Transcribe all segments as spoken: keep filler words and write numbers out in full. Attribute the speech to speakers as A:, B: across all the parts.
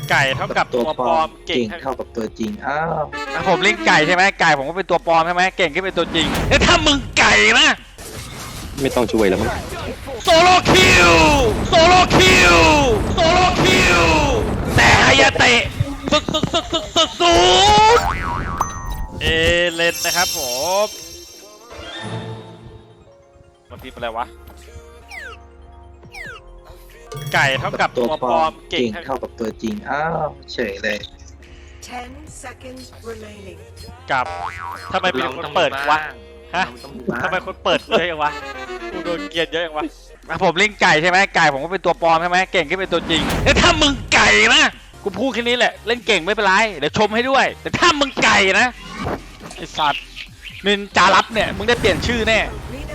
A: ไก่เท่ากับตัวปลอมเก่ง
B: เท่ากับตัวจริงอ้าว
A: ผมเล่นไก่ใช่ไหมไก่ผมก็เป็นตัวปลอมใช่ไหมเก่งก็เป็นตัวจริงแล้วถ้ามึงไก่นะ
C: ไม่ต้องช่วยแล้วมั้ง
A: โซโลคิวโซโลคิวโซโลคิวแต่ฮายาเตะสุดสุดสุดสุดสุดสุดเอเลนนะครับผมมันพิมพ์อะไรวะไก่เท่ากับตัวปลอมเก่ง
B: เท่ากับตัวจริงอ้าวเฉยเลย
A: กับทำไมเป็นคนเปิดวะฮะทำไมคนเปิดเยอะอย่างวะกูโดนเกลียดเยอะอย่างวะผมเล่นไก่ใช่ไหมไก่ผมก็เป็นตัวปลอมใช่ไหมเก่งก็เป็นตัวจริงแล้วถ้ามึงไก่นะกูพูดแค่นี้แหละเล่นเก่งไม่เป็นไรเดี๋ยวชมให้ด้วยแต่ถ้ามึงไก่นะไอสัตว์นินจารับเนี่ยมึงได้เปลี่ยนชื่อแน่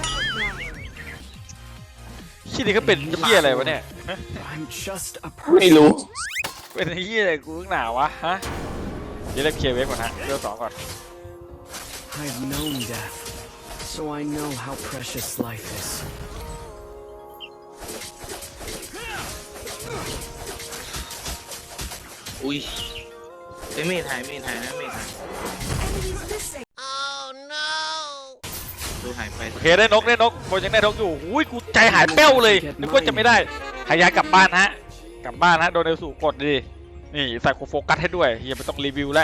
A: ชื่อนี้ก็เป็นเหี้ยอะไรวะเนี่ย
C: ไม่รู้
A: เป็นเหี้ยอะไรกูหนาวะฮะเดี๋ยวเล่นเคลียร์เวฟก่อนฮะเดี๋ยวสองก่อน
D: I've known death, so I know how precious life is.
B: อุ้ยไอ้เมทหายเมทหายนะเมทหายดูหายไป
A: โอเคได้นกได้นกโบยังได้นกอยู่อุ้ยกูใจหายเป้วเลยนึกว่าจะไม่ได้หายากลับบ้านฮะกลับบ้านฮะโดนเอลสูกดดินี่ใส่กูโฟกัสให้ด้วยเฮียไม่ต้องรีวิวแล้ว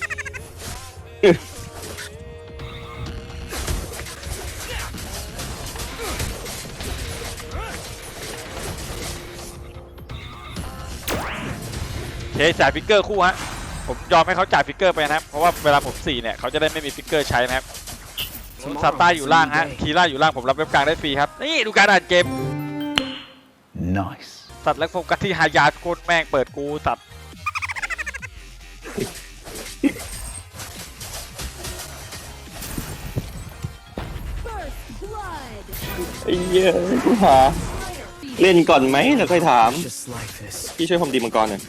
A: เฮ้ยจ่ายฟิกเกอร์คู่ฮะผมยอมให้เขาจ่ายฟิกเกอร์ไปนะครับเพราะว่าเวลาผมสี่เนี่ยเขาจะได้ไม่มีฟิกเกอร์ใช้นะครับซาต้าอยู่ล่างฮะคีร่าอยู่ล่างผมรับเว็บกลางได้ฟรีครับนี่ดูการอ่านเกม
C: nice
A: สัตว์และโฟกัสที่ฮายาโคตรแม่งเปิดกูสัตว์
C: ไอ้เหี้ยกูหาเล่นก่อนไหมแล้วค่อยถามพี่ช่วยผมดีมังกรหน่อย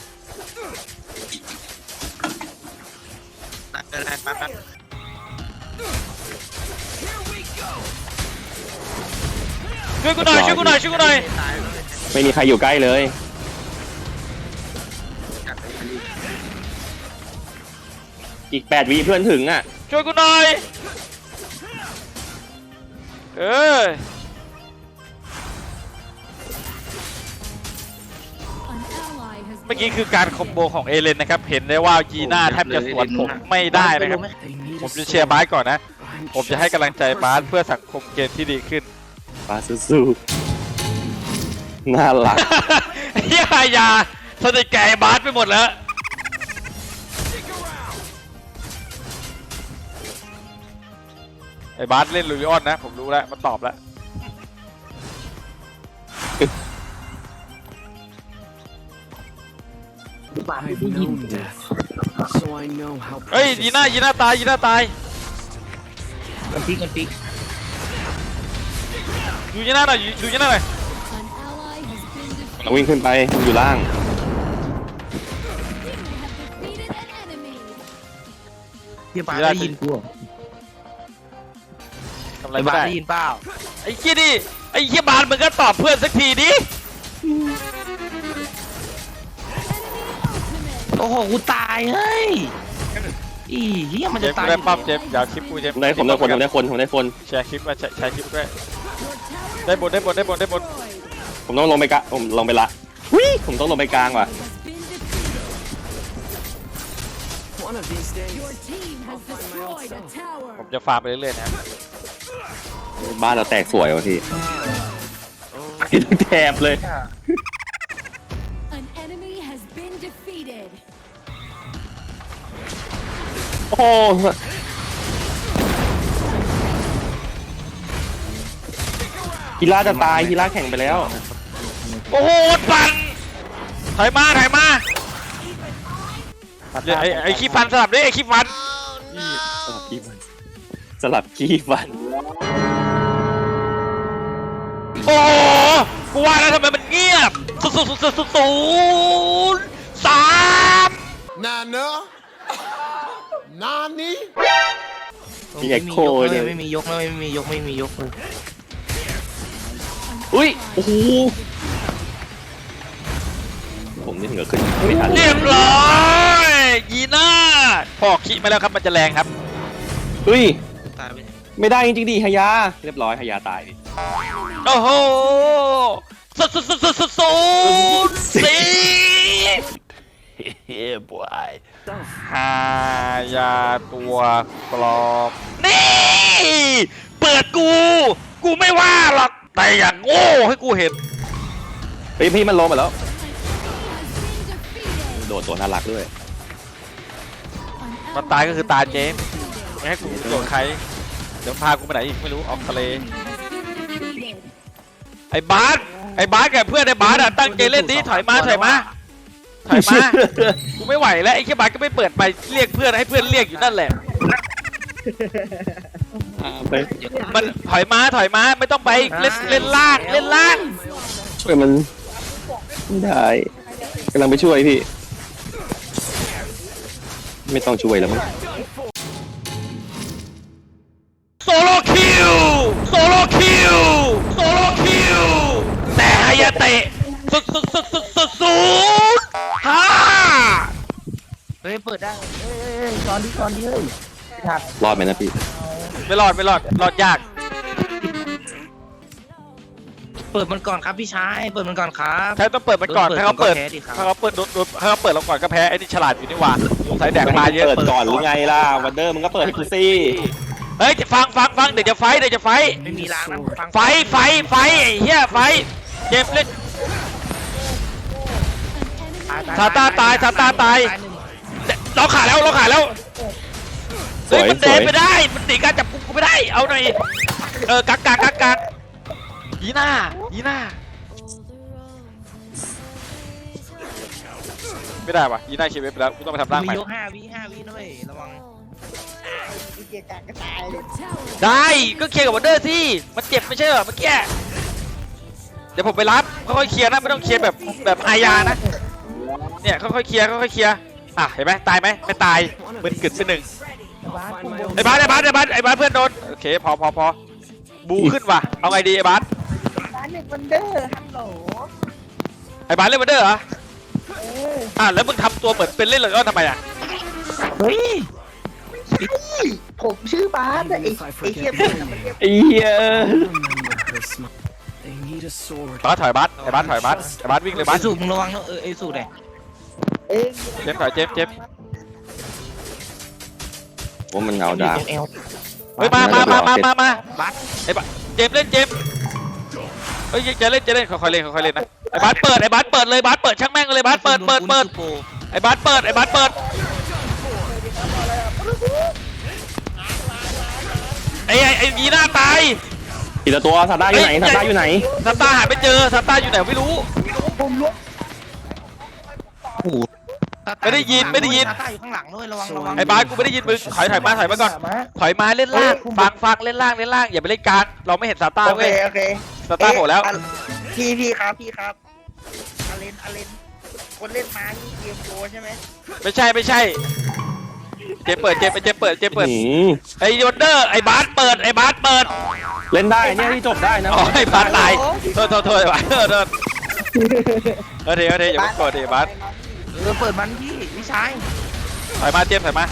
A: ช่วยกูหน่อยช่วยกูหน่อยช่วยกูหน่อย
C: ไม่มีใครอยู่ใกล้เลยอีกแปดวิเพื่อนถึงอ่ะ
A: ช่วยกูหน่อยเออเมื่อกี้คือการคอมโบของเอเลนนะครับเห็นได้ว่ายีน่าแทบจะสวนผมไม่ได้นะครับผมจะเชียร์บาสก่อนนะผมจะให้กำลังใจบาสเพื่อสังคมเกมที่ดีขึ้น
C: บาสสู้ๆน่ารัก
A: เฮียยาสนิทแก่บาสไปหมดแล้วไอ้บาสเล่นลูริออนนะผมรู้แล้วมันตอบแล้วเฮ้ยยีน่ายีน่าตายยีน่าตาย
B: กันปีกันปี
A: ดูยีน่าหน่อยดูยีน่าหน่อย
C: เราวิ่งขึ้นไปอยู่ล่าง
B: เฮียบาได้ยินกู
A: ทำอะไรไม่ได้
B: ได้ยินเปล่า
A: ไอ้เฮียดิไอ้เฮียบาสมึงก็ตอบเพื่อนสักทีดิ
B: โอ้โหกูตายเฮ้ยอีเฮียมันจะตาย
A: ได้ปั๊บเจ็บอย่าคลิปกูเจ็บ
C: ได้ผมได้คนผมได้คนผมได้คน
A: แชร์คลิปมาแชร์คลิปด้วยได้บนได้บนได้บนได้บน
C: ผมต้องลงไปกะผมลงไปละวิผมต้องลงไปกลางว่ะ
A: ผมจะฟาร์มไปเรื่อยๆนะ
C: บ้านเราแตกสวยวะพี่แถบเลยโอ้ฮีร่าจะตายฮีร่าแข่งไปแล้ว
A: โอ้โหฟันถอยมาถอยมาไอ้ไอ้ขี้ฟันสลับด้วยไอ้ขี้ฟัน
C: สลับขี้ฟันสลับขี้ฟัน
A: โอ้กูว่าแล้วทำไมมันเงียบศูนย์ศูนย์ศูนย์ศูนย์สาม
E: นาเนอะนานี้
C: มีเอ็กโคเลย
B: ไม่มียกไม่มียกไม่มียกเลย
C: อุ้ยโอ้โหผมนี่เหงื่อขึ้นไม่ทัน
A: เรียบร้อยยีน่าพอกขี้มาแล้วครับมันจะแรงครับ
C: เฮ้ย
B: ตายไป
C: ไม่ได้จริงๆดิฮายาเรียบร้อยฮายาตายดิ
A: โอ้โหสุดสุดสุดสุดสุดสุดสี่
B: เฮ้ยบอย
A: หายาตัวปลอมนี่เปิดกู กูไม่ว่าหรอกแต่อย่างโง่ให้กูเห็น
C: เฮ้ยพี่มันลงมาแล้วโดดตัวน่ารักด้วย
A: มันตายก็คือตายเจมส์ไม่ให้กูโดนใครเดี๋ยวพากูไปไหนอีกไม่รู้ออกทะเลไอ้บาสไอ้บาสกับเพื่อนไอ้บาสอะตั้งใจเล่นดิถอยมาถอยมาถอยมากูไม่ไหวแล้วไอ้แค่บาสก็ไม่เปิดไปเรียกเพื่อนให้เพื่อนเรียกอยู่นั่นแหละ
C: ไป
A: มันถอยมาถอยมาไม่ต้องไปเล่นเล่นล่างเล่นล่าง
C: ช่วยมันไม่ได้กำลังไปช่วยพี่ ไม่ต้องช่วยแล้วมั้ง
A: โซโลคิวโซโลคิวโซโลคิวแต่ฮายาเตะสุดสุดสุดสุดสุดสุดฮ่าร
B: เปิดได้เฮ้ยเฮ้ยตอนนี้ตอนนี้เฮ้ยถัก
C: รอดไหมนะพี่
A: ไม่รอดไม่รอดรอดยาก
B: เปิดมันก่อนครับพี่ชายเปิดมันก่อนครับ
A: ใช่ต้องเปิดมันก่อน
B: เปิด
A: ถ้าเขาเปิด
B: ก็แพ้ดิครับ
A: ถ้าเขาเปิดโดนโดนถ้าเขาเปิดเราก่อนก็แพ้ไอ้นี่ฉลาดอยู่นี่หว่าสงสัยแดกมาเยอะ
C: เปิดก่อนหรือไงล่ะวันเดอร์มึงก็เปิดให้กูสิ
A: เฮ้ยฟังฟังฟังเดี๋ยวจะไฟเดี๋ยวจะไฟ
B: ไม่มีล้างนะฟัง
A: ไฟไฟไฟไอ้เหี้ยไฟเจ็บเล่น ซาต้าตายซาต้าตาย
B: หนึ่ง
A: เราขาแล้วเราขาแล้ว
C: ส
A: เฮ้ย
C: วย
A: มัน
C: ส
A: เดิ
C: วน ย
A: ไม่ได้มันหนีการจับกุมกูไม่ได้เอาหน่อยเออกักกักกักกักยีน่ายีน่าไม่ได้ว่ะยีน่าเชียร์เว็บไปแล้วกูต้องไปทำร่างให
B: มี
A: ม่
B: ยกห้าวิห้าวิด้วยระวัง
A: ได้ก็เคลียร์กับวันเดอร์สิมันเจ็บไม่ใช่เหรอเมื่อกี้เดี๋ยวผมไปรับค่อยๆเคลียร์นะไม่ต้องเคลียร์แบบแบบอายานะเนี่ยค่อยๆเคลียร์ค่อยๆเคลียร์อ่ะเห็นไหมตายไหมไม่ตายมึนกึดไปหนึ่ง ไอ้บาสไอ้บาสไอ้บาสไอ้บาสเพื่อนโดนโอเคพอพอพอบูขึ้นว่ะเอาไงดีไอ้บาส
F: ร้านหนึ่งวันเดอร์ฮัลโหล
A: ไอ้บาสเล่นวันเดอร์เหรออ่ะแล้วมึงทำตัวเหมือนเป็นเล่นเลยก็ทำไมอ่ะ
B: เฮ้ย
F: ผมชื่อบาสอะไอ้
D: If I
F: ไอ้เหี้ย
D: forget
F: มัน
D: my
F: มันเรียก
C: ไอ้เหี้ย
D: remember her smile. They need a sword.
A: บาสถอยบาสไอ้บาสถอยบาสไอ้บาสวิ่งเลยบา
B: ไอ้
A: ส
B: สูบมึงระวังนะเออไอ้สูบเลย
F: เอ้ย
A: เจมส์ถอยเจมส์เจมส์
C: ว่ามันเอาดาบ
B: ตรงเอว
A: เฮ้ยมามามามามามา
B: บัส
A: ไอ้บาสเจมส์เล่นเจมส์เฮ้ยจะเล่นจะเล่นค่อยๆเล่นค่อยๆเล่นนะไอ้บาสเปิดไอ้บาสเปิดเลยบาสเปิดช่างแม่งเลยบาสเปิดเปิดเปิดไอ้บาสเปิดไอ้บาสเปิดไอ้ไอ้ไอ้ยีน่าตาย
C: อีกตัวซาต้าอยู่ไหนซาต้าอยู่ไหน
A: ซาต้าหาไม่เจอซาต้าอยู่ไหนไม่รู้ ไม่ได้ยินไม่ได้ยิน
B: ซาต้าอยู่ข้างหลังด้วยระวังระวัง
A: ไอ้บาสกูไม่ได้ยินมึงถอยถอยมาถอยมาก่อนถอยมาเล่นล่างฟังฟังเล่นล่างเล่นล่างอย่าไปเล่นกลางเราไม่เห็นซาต้า
F: โอเค
A: เว้ย
F: โอเค
A: ซาต้าโผล่แล้ว
F: เอ๊ะพี่พี่ครับพี่ครับอาเลนอาเลนคนเล่นม้านี่เกมโปรใช่ไหม
A: ไม่ใช่ไม่ใช่เจมเปิดเจมเจมเปิดเจมเปิด
C: หืม
A: ไอ้ยอนเดอร์ไอ้บาสเปิดไอ้บาสเปิด
C: เล่นได้เนี่ยที่จบได้นะ
A: อ๋อไอ้บาสตายโทษโทษโทษไอ้บาสโทษโทษเออเดี๋ยวเดี๋ยวอย่าไปกดดิบาส
B: เออเปิดมันพี่พี่ชาย
A: ถอยมาเจมถอยมา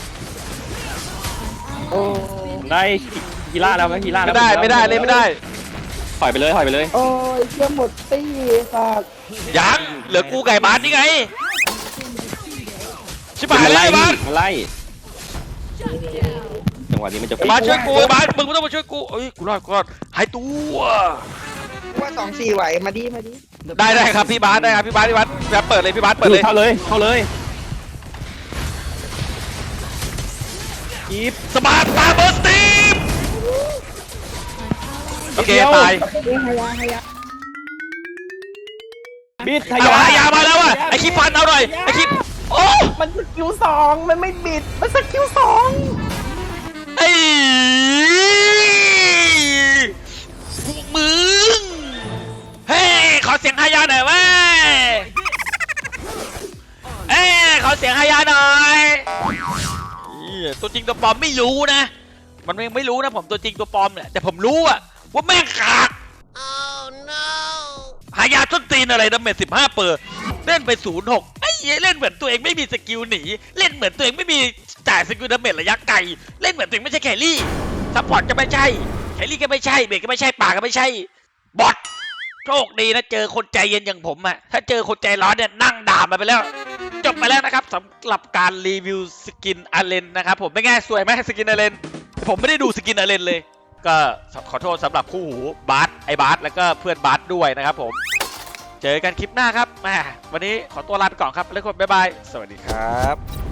F: โอ้
C: ได้กีฬาแล้วไหมกีฬา
A: ไม่ได้ไม่ได้เล่นไม่ได้
C: ถอยไปเลยถอยไปเลย
F: โอ้ยเชี่ยหมดตี้สัตว์
A: ยังเหลือกูไก่บาสนี่ไงชิบหาย
C: มัน
A: เล
C: ไล่
A: ยบาส
C: มันไล่จังหวะนี้มันจะ
A: ไอ้บาสช่วยกูไอ้บาสมึงไม่ต้องมาช่วยกูเอ้ยกูรอดกูรอดหายตัว
F: ว่าสองสี่ไหวมาดิมาดิ
A: ได้ได้ครับพี่บาสได้ครับพี่บาสพี่บาสพี่บาสเปิดเลยพี่บาสเปิดเลย
C: เข้าเลยเข้าเลยอีฟ
A: สมาร์ทตาเบอร์สตีมโอเคตาย
F: เฮ้ยฮายาฮายา
C: บิดท
A: เอา
C: ยา
A: อายามาแล้วอ่ะไอคิปฟันเอาหน่อยไอคิปโอ้
F: มันสกิลสองมันไม่บิดมันสกิลสอง
A: ไอ้พวกมึงเฮ้ยขอเสียงฮายาหน่อยเว้ยเอ้ยขอเสียงฮายาหน่อยเหี้ยตัวจริงตัวปลอมไม่รู้นะมันยังไม่รู้นะผมตัวจริงตัวปลอมเนี่ยแต่ผมรู้อะว่าแม่งขาด
E: Oh no
A: หายาต้นตีนอะไรดาเมจสิบห้าเปอร์เล่นไปศูนย์หกไอ้เหี้ยเล่นเหมือนตัวเองไม่มีสกิลหนีเล่นเหมือนตัวเองไม่มีจ่ายสกิลดาเมจระยะไกลเล่นเหมือนตัวเองไม่ใช่แครี่ซัพพอร์ตก็ไม่ใช่แครี่ก็ไม่ใช่เบรกก็ไม่ใช่ป่าก็ไม่ใช่บอทโชคดีนะเจอคนใจเย็นอย่างผมอะถ้าเจอคนใจร้อนเนี่ยนั่งด่ามาไปแล้วจบไปแล้วนะครับสำหรับการรีวิวสกินอาเลนนะครับผมไม่ง่ายสวยไหมสกินอาเลนผมไม่ได้ดูสกินอาเลนเลยก็ขอโทษสำหรับคู่หูบาสไอบาสแล้วก็เพื่อนบาสด้วยนะครับผมเจอกันคลิปหน้าครับแหมวันนี้ขอตัวลาไปก่อนครับแล้วก็บ๊ายบายสวัสดีครับ